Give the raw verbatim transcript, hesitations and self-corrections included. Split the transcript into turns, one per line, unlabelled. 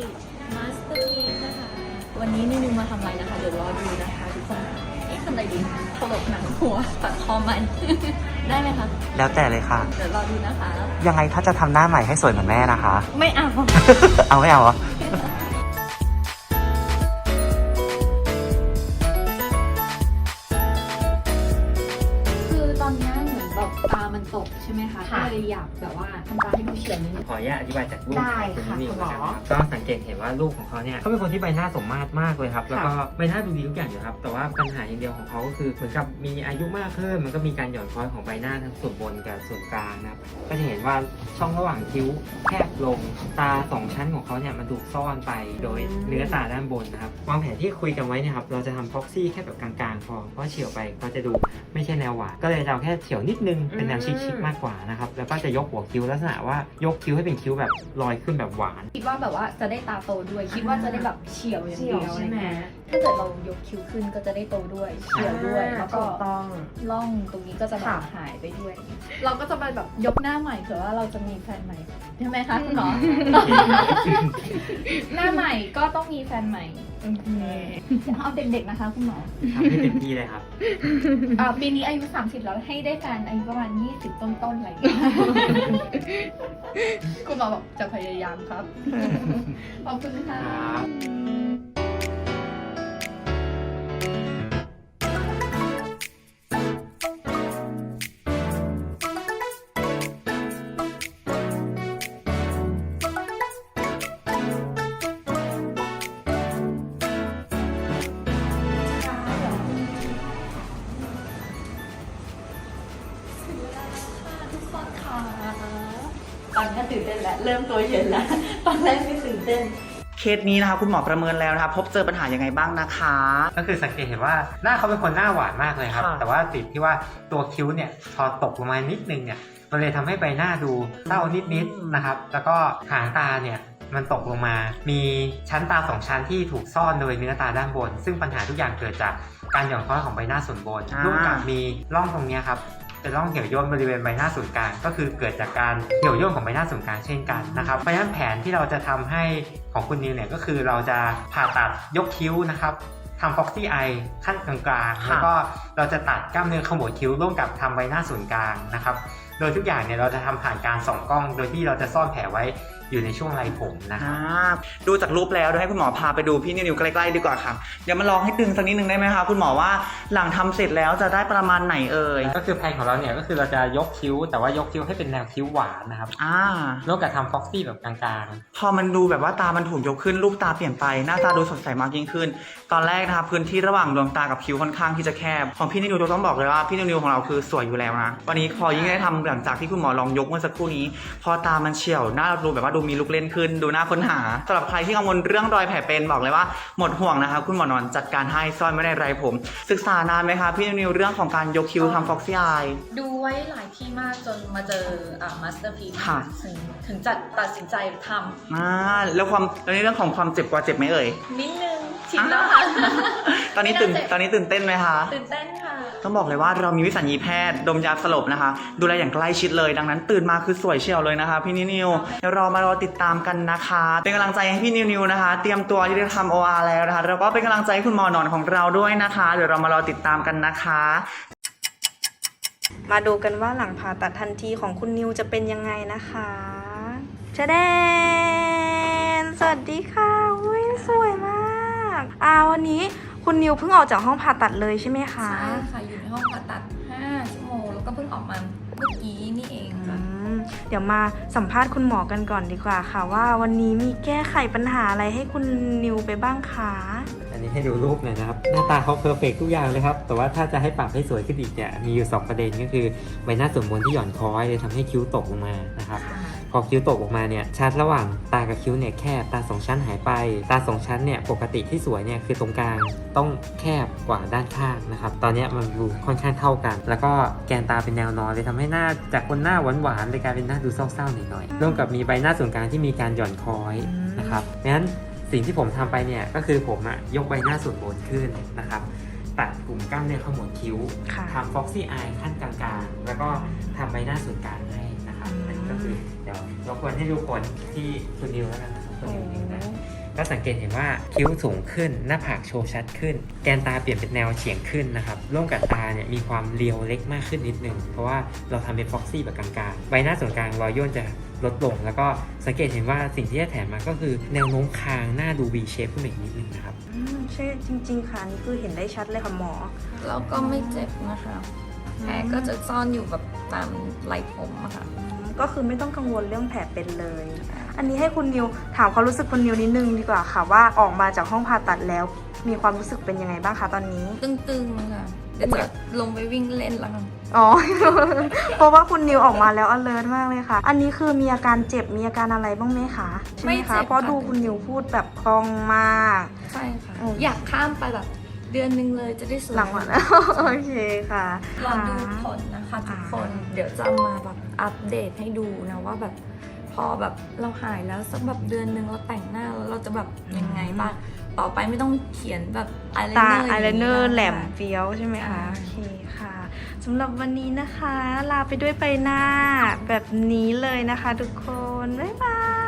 มาสเตอร์พีซนะคะวันนี้นิวมาทำอะไรนะคะเดี๋ยวรอดูนะคะทุกคนเอ๊ะทำอะไรดีตลกหนังหัวตัดคอมัน ได้ไหมคะ
แล้วแต่เลยค่ะ
เดี๋ยวรอดูนะคะ
ยังไงถ้าจะทำหน้าใหม่ให้สวยเหมือนแม่นะคะ
ไม่เอา
เอาไม่เอาเหรอ
ตามันตกใช่ไหมคะก็เลยอยากแบบว่าทำตาให้ดูเฉียบนิดนึง
ขออนุญาตอธิบายจากรูป
ได้ค่ะคุณหมอ
ก็สังเกตเห็นว่าลูกของเขาเนี่ยเขาเป็นคนที่ใบหน้าสมมาตรมากเลยครับแล้วก็ใบหน้าดูดีทุกอย่างอยู่ครับแต่ว่าปัญหาอย่างเดียวของเขาก็คือเหมือนกับมีอายุมากขึ้นมันก็มีการหย่อนคล้อยของใบหน้าทั้งส่วนบนกับส่วนกลางนะครับก็จะเห็นว่าช่องระหว่างคิ้วแคบลงตาสองชั้นของเขาเนี่ยมันถูกซ่อนไปโดยเนื้อตาด้านบนนะครับวางแผนที่คุยกันไว้เนี่ยครับเราจะทำพ็อกซี่แค่แบบกลางๆพอเพราะเฉียวไปก็จะดูไม่ใช่แนวหวานก็เลยจะเอาแค่เฉียวนิดนึงเป็นแนวชิคๆมากกว่านะครับแล้วก็จะยกหัวคิ้วลักษณะว่ายกคิ้วให้เป็นคิ้วแบบลอยขึ้นแบบหวาน
คิดว่าแบบว่าจะได้ตาโตด้วยคิดว่าจะได้แบบเฉียวอย่างเดียวใช่ไหมถ้าเกิดเรายกคิ้วขึ้นก็จะได้โตด้วยเฉียวด้วยแล้วก็ต้องล่องตรงนี้ก็จะแบบหายไปด้วยเราก็จะไปแบบยกหน้าใหม่เผื่อว่าเราจะมีแฟนใหม่ใช่ไหมคะคุณหมอ หน้าใหม่ก็ต้องมีแฟนใหม่เอาเด็กๆนะคะคุณหมอ
ทำให้เต็มที่เลยครับ
ปีนี้อายุสามสิบแล้วให้ได้แฟนอายุประมาณยี่สิบต้นๆอะไรอย่างเงี้ยคุณหมอบอกจะพยายามครับขอบคุณค่ะตอนนี้ตื่นเต้นแล้วเริ่มตัวเย็นแล้วตอนแรกไม่ตื่นเต้น
เคสนี้นะคะคุณหมอประเมินแล้วนะคะพบเจอปัญหายังไงบ้างนะคะ
ก็คือสังเกตเห็นว่าหน้าเขาเป็นคนหน้าหวานมากเลยครับแต่ว่าติดที่ว่าตัวคิ้วเนี่ยพอตกลงมานิดนึงเนี่ยมันเลยทำให้ใบหน้าดูเศร้านิดๆนะครับแล้วก็หางตาเนี่ยมันตกลงมามีชั้นตาสองชั้นที่ถูกซ่อนโดยเนื้อตาด้านบนซึ่งปัญหาทุกอย่างเกิดจากการหย่อนคล้อยของใบหน้าส่วนบนร่วมกับมีร่องตรงนี้ครับเป็นร่องเหี่ยวย่นบริเวณใบหน้าศูนย์กลางก็คือเกิดจากการเหี่ยวย่นของใบหน้าศูนย์กลางเช่นกันนะครับเพราะฉะนั้นแผนที่เราจะทำให้ของคุณนิวเนี่ยก็คือเราจะผ่าตัดยกคิ้วนะครับทำ Foxy Eye ขั้นกลางๆแล้วก็เราจะตัดกล้ามเนื้อขมวดคิ้วร่วมกับทำใบหน้าศูนย์กลางนะครับโดยทุกอย่างเนี่ยเราจะทำผ่านการส่องกล้องโดยที่เราจะซ่อนแผลไว้อยู่ในช่วงไรผมนะครับ
ดูจากรูปแล้วเดี๋ยวให้คุณหมอพาไปดูพี่นิวใกล้ๆดีกว่าค่ะเดี๋ยวมาลองให้ตึงสักนิดนึงได้ไหมคะคุณหมอว่าหลังทำเสร็จแล้วจะได้ประมาณไหนเอ่ย
ก็คือแผนของเราเนี่ยก็คือเราจะยกคิ้วแต่ว่ายกคิ้วให้เป็นแนวคิ้วหวานนะครับ
อ่า
แล้วกับทำฟ็อกซี่แบบกลาง
ๆพอมันดูแบบว่าตามันถูกยกขึ้นรูปตาเปลี่ยนไปหน้าตาดูสดใสมากยิ่งขึ้นตอนแรกนะคะพื้นที่ระหว่างดวงตากับคิ้วค่อนข้างที่จะแคบของพี่นิวต้องบอกเลยว่าพี่นิวของเราคือสวยอยู่แล้วนะวันนี้พอยิ่งได้ทำหลังจากที่คุณหมอลองยกเมื่อสักครู่นี้พอตามันเฉียวหน้าเราดูแบบว่าดูมีลุกเล่นขึ้นดูน่าค้นหาสำหรับใครที่กังวลเรื่องรอยแผลเป็นบอกเลยว่าหมดห่วงนะคะคุณหมอนอนจัดการให้ซ่อนไม่ได้ไรผมศึกษานานไหมคะพี่นิวเรื่องของการยกคิ้วทำ Foxy Eye
ดูไว้หลายที่มากจนมาเจออ่า Masterpiece ถึงถึงจะตัดสินใจทำ
อ่าแล้วความแล้วในเรื่องของความเจ็บกว่าเจ็บไหมเอ่ย
นิดนึงชินแล้วค่ะ
ตอนนี้ตื่นตอนนี้ตื่นเต้นไหมคะ
ตื่นเต้นค่ะ
ต้องบอกเลยว่าเรามีวิสัญญีแพทย์ดมยาสลบนะคะดูแลอย่างใกล้ชิดเลยดังนั้นตื่นมาคือสวยเชียวเลยนะคะพี่นิวเดี๋ยวเรามารอติดตามกันนะคะเป็นกำลังใจให้พี่นิวนะคะเตรียมตัวที่จะทำ โอ อาร์ แล้วนะคะแล้วก็เป็นกำลังใจให้คุณหมอหนอนของเราด้วยนะคะเดี๋ยวเรามารอติดตามกันนะคะมาดูกันว่าหลังผ่าตัดทันทีของคุณนิวจะเป็นยังไงนะคะชะแดนสวัสดีค่ะอุ้ยสวยมากอ่าวันนี้คุณนิวเพิ่งออกจากห้องผ่าตัดเลยใช่ไหมคะ
ใช่ค่ะอยู่ในห้องผ่าตัดห้าชั่วโมงแล้วก็เพิ่งออกมาเมื่อกี้นี่เองค่ะ
เดี๋ยวมาสัมภาษณ์คุณหมอกันก่อนดีกว่าค่ะว่าวันนี้มีแก้ไขปัญหาอะไรให้คุณนิวไปบ้างคะ
อันนี้ให้ดูรูปหน่อยนะครับหน้าตาเขาเพอร์เฟกทุกอย่างเลยครับแต่ว่าถ้าจะให้ปรับให้สวยขึ้นอีกเนี่ยมีอยู่สองประเด็นก็คือใบหน้าส่วนบนที่หย่อนคล้อยเลยทำให้คิ้วตกลงมานะครับพอคิ้วตกออกมาเนี่ยชั้นระหว่างตากับคิ้วเนี่ยแคบตาสองชั้นหายไปตาสองชั้นเนี่ยปกติที่สวยเนี่ยคือตรงกลางต้องแคบกว่าด้านข้างนะครับตอนนี้มันดูค่อนข้างเท่ากันแล้วก็แกนตาเป็นแนวนอนเลยทำให้หน้าจากคนหน้าหวานๆเลยกลายเป็นหน้าดูเศร้าๆหน่อยๆร่วมกับมีใบหน้าส่วนกลางที่มีการหย่อนคล้อยนะครับงั้นสิ่งที่ผมทำไปเนี่ยก็คือผมอะยกใบหน้าส่วนบนขึ้นนะครับตัดกลุ่มกล้ามเนื้อขมวดคิ้วทำ Foxy Eye ขั้นกลางๆแล้วก็ทำใบหน้าส่วนกลางให้นะครับอันนี้ก็คือเดี๋ยวยวรบกวนให้ดูผลที่คุณนิวแล้วกันนะครับคุณนิวนิวนะก็สังเกตเห็นว่าคิ้วสูงขึ้นหน้าผากโชว์ชัดขึ้น แกนตาเปลี่ยนเป็นแนวเฉียงขึ้นนะครับร่วมกับตาเนี่ยมีความเรียวเล็กมากขึ้นนิดนึงเพราะว่าเราทำเป็นฟ็อกซี่แบบกลางๆใบหน้าส่วนกลางรอยย่นจะลดลงแล้วก็สังเกตเห็นว่าสิ่งที่จะแถมมาก็คือแนวโน้มคางหน้าดู V shape ขึ้นมาอีกนิดนึงนะครับ
อืมใช่จริง ๆ ค่ะนี่คือเห็นได้ชัดเลยค่ะหมอ
แล้วก็ไม่เจ็บนะคะแผลก็จะซ่อนอยู่แบบตามไหล่ผมอะค่ะ
ก็คือไม่ต้องกังวลเรื่องแผลเป็นเลย อันนี้ให้คุณนิวถามความรู้สึกคุณนิวนิดนึงดีกว่าค่ะว่าออกมาจากห้องผ่าตัดแล้ว มีความรู้สึกเป็นยังไงบ้างคะตอนนี้
ตึงๆค่ะเดี๋ยวจะลงไปวิ่งเล่นแล้วค่ะ
อ๋อ เพราะว่าคุณนิวออกมาแล้ว alert มากเลยค่ะ อันนี้คือมีอาการเจ็บมีอาการอะไรบ้างไหมคะใช่ไหมคะเพราะดูคุณนิวพูดแบบคล่องมาก
ใช่ค่ะ
อืม
อยากข้ามไปแบบเดือนหนึ่งเลยจะได้สวย
หลังวัน โอเคค่ะ
รอดูผลนะคะทุกคน เดี๋ยวจะมาแบบอัปเดตให้ดูนะว่าแบบพอแบบเราหายแล้วสักแบบเดือนหนึ่งเราแต่งหน้าแล้วเราจะแบบยังไงบ้างต่อไปไม่ต้องเขียนแบบอายไล
ตา
เนอร์
อายไลเนอร์แหลม
ค่ะ
เฟี้ยวใช่ไหมคะ
อ่า
โอเคค่ะสำหรับวันนี้นะคะ ลาไปด้วยใบหน้าแบบนี้เลยนะคะทุกคน บ๊ายบาย